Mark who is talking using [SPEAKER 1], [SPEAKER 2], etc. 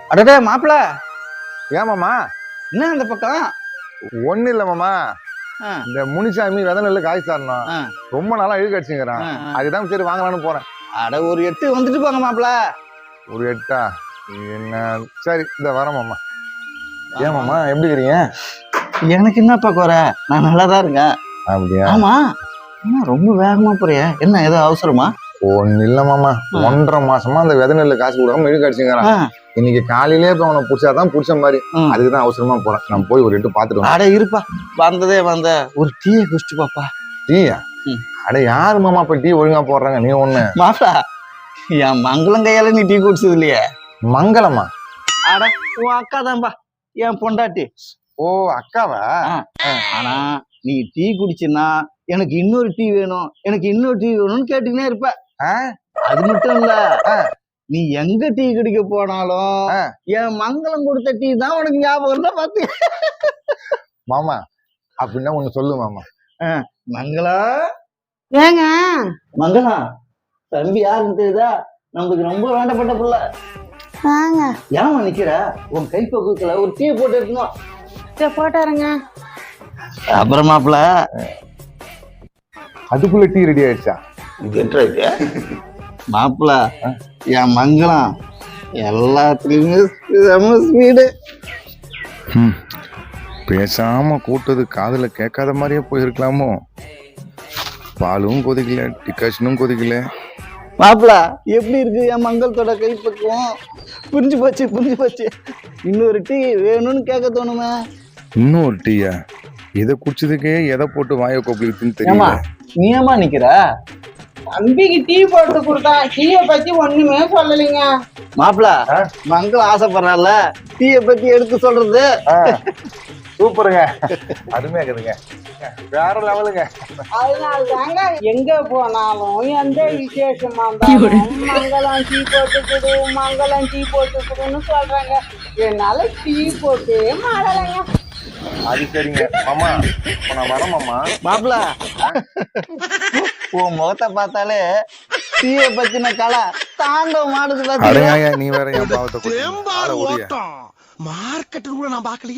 [SPEAKER 1] அடடே மாப்பிள,
[SPEAKER 2] ஏன் மாமா?
[SPEAKER 1] என்ன அந்த பக்கம்?
[SPEAKER 2] ஒண்ணு இல்ல மாமா,
[SPEAKER 1] ஆ,
[SPEAKER 2] இந்த முனிசாமி விதை நெல்லு காய் சாரணும்,
[SPEAKER 1] ஆ,
[SPEAKER 2] ரொம்ப நாளா இழுக்க அடிச்சுங்கிறான்.
[SPEAKER 1] ஆ, ஆ.
[SPEAKER 2] அதுதான் சரி வாங்கலாம்னு போறேன்.
[SPEAKER 1] அட ஒரு 8 வந்துட்டு போங்க மாப்பிள.
[SPEAKER 2] ஒரு 8ஆ? என்ன, சரி இந்த வரேன் மாமா. ஏன் மாமா எப்படி இருக்கிறீங்க?
[SPEAKER 1] எனக்கு என்னப்பா குறை, நான் நல்லாதான் இருக்கேன்.
[SPEAKER 2] அப்படியா?
[SPEAKER 1] ஆமா, என்ன ரொம்ப வேகமா போறிய, என்ன ஏதோ அவசரமா?
[SPEAKER 2] ஒண்ணு இல்ல மாமா, 1.5 மாசமா அந்த விதை நெல்லு காசு கொடுக்காம இழுக்க அடிச்சுங்கிறான்.
[SPEAKER 1] ஆ,
[SPEAKER 2] இன்னைக்கு காலையிலே இப்ப அவனை புடிச்சாதான் புடிச்ச மாதிரி.
[SPEAKER 1] ம்.
[SPEAKER 2] அதுக்குதான் அவசரமா போறேன். நான் போய் ஒரு 8 பாத்துட்டு வரேன்.
[SPEAKER 1] அட இருப்பா, வந்ததே வந்த ஒரு டீயை குடிச்சிட்டு பாப்பா.
[SPEAKER 2] டீயா?
[SPEAKER 1] ம்.
[SPEAKER 2] அட யாரு மாமா இப்ப டீ ஒழுங்கா போடுறாங்க? நீ ஒண்ணு
[SPEAKER 1] மாப்பிள, என் மங்களம் கையால நீ டீ குடிச்சது இல்லையே.
[SPEAKER 2] மங்களமா?
[SPEAKER 1] அட உன் அக்கா தான்பா, என் பொண்டாட்டி.
[SPEAKER 2] ஓ அக்காவா?
[SPEAKER 1] ஆனா நீ டீ குடிச்சின்னா எனக்கு இன்னொரு டீ வேணும், எனக்கு இன்னொரு டீ வேணும்னு கேட்டுக்கினே இருப்ப.
[SPEAKER 2] ஆ?
[SPEAKER 1] அது மட்டும் இல்ல,
[SPEAKER 2] ஆ.
[SPEAKER 1] நீ எங்க டீ குடிக்க போனாலும்
[SPEAKER 2] ஆ.
[SPEAKER 1] என் மங்களம் கொடுத்த டீ தான் உனக்கு ஞாபகம் தான் பாத்து.
[SPEAKER 2] மாமா அப்படின்னா ஒண்ணு சொல்லு மாமா.
[SPEAKER 1] மங்களா,
[SPEAKER 3] ஏங்க
[SPEAKER 1] மங்களா, தம்பி யாருன்னு தெரியுதா? நம்மளுக்கு ரொம்ப வேண்டப்பட்ட புள்ள.
[SPEAKER 3] வாங்க
[SPEAKER 1] ஏன் நிக்கிற? உன் கைப்பக்குவத்துல ஒரு டீ போட்டு இருக்கணும்.
[SPEAKER 3] சரி போட்டாருங்க.
[SPEAKER 1] அப்புறம் மாப்பிள,
[SPEAKER 2] அதுக்குள்ள டீ ரெடி ஆயிடுச்சா?
[SPEAKER 1] மாப்பிள, என் மங்களம் எல்லாத்துலயுமே செம ஸ்பீடு.
[SPEAKER 2] பேசாம கூட்டது காதுல கேட்காத மாதிரியே போயிருக்கலாமோ. பாலும் கொதிக்கல, டிகாஷனும் கொதிக்கல.
[SPEAKER 1] மாப்பிள எப்படி இருக்கு என் மங்களத்தோட கைப்பக்குவம்? புரிஞ்சு போச்சு. இன்னொரு டீ வேணும்னு கேட்க தோணுமே.
[SPEAKER 2] இன்னும் ஒரு டீயா? இதை குடிச்சதுக்கே எதை போட்டு வாயை கொப்பளிக்குதுன்னு
[SPEAKER 1] ஏமா
[SPEAKER 2] தெரியல.
[SPEAKER 1] நீ ஏமா நிக்கிற?
[SPEAKER 3] தம்பிக்கு டீ போட்டு கொடுத்தா டீயை பத்தி ஒண்ணுமே சொல்லலைங்க.
[SPEAKER 1] மாப்பிள, மங்களம் ஆசைப்படுறால டீயை பத்தி எடுத்து சொல்றது.
[SPEAKER 2] சூப்பருங்க, அருமையா இருக்குதுங்க, வேற லெவலுங்க.
[SPEAKER 3] அதனால தாங்க எங்க போனாலும் எந்த விசேஷமா இருந்தாலும் மங்களம் டீ போட்டு கொடு, மங்களம் டீ போட்டு கொடுன்னு சொல்றாங்க. என்னால டீ போட்டே மாறலைங்க.
[SPEAKER 2] அது சரிங்க மாமா, இப்ப நான் வரேன் மாமா.
[SPEAKER 1] மாப்பிள, உன் முகத்தை பார்த்தாலே டீயை பத்தின கலை தாண்டவம் ஆடுது.
[SPEAKER 2] அடையாயா நீ வேற என் பாவத்தை
[SPEAKER 4] மார்க்கெட் கூட நான் பாக்கலையே.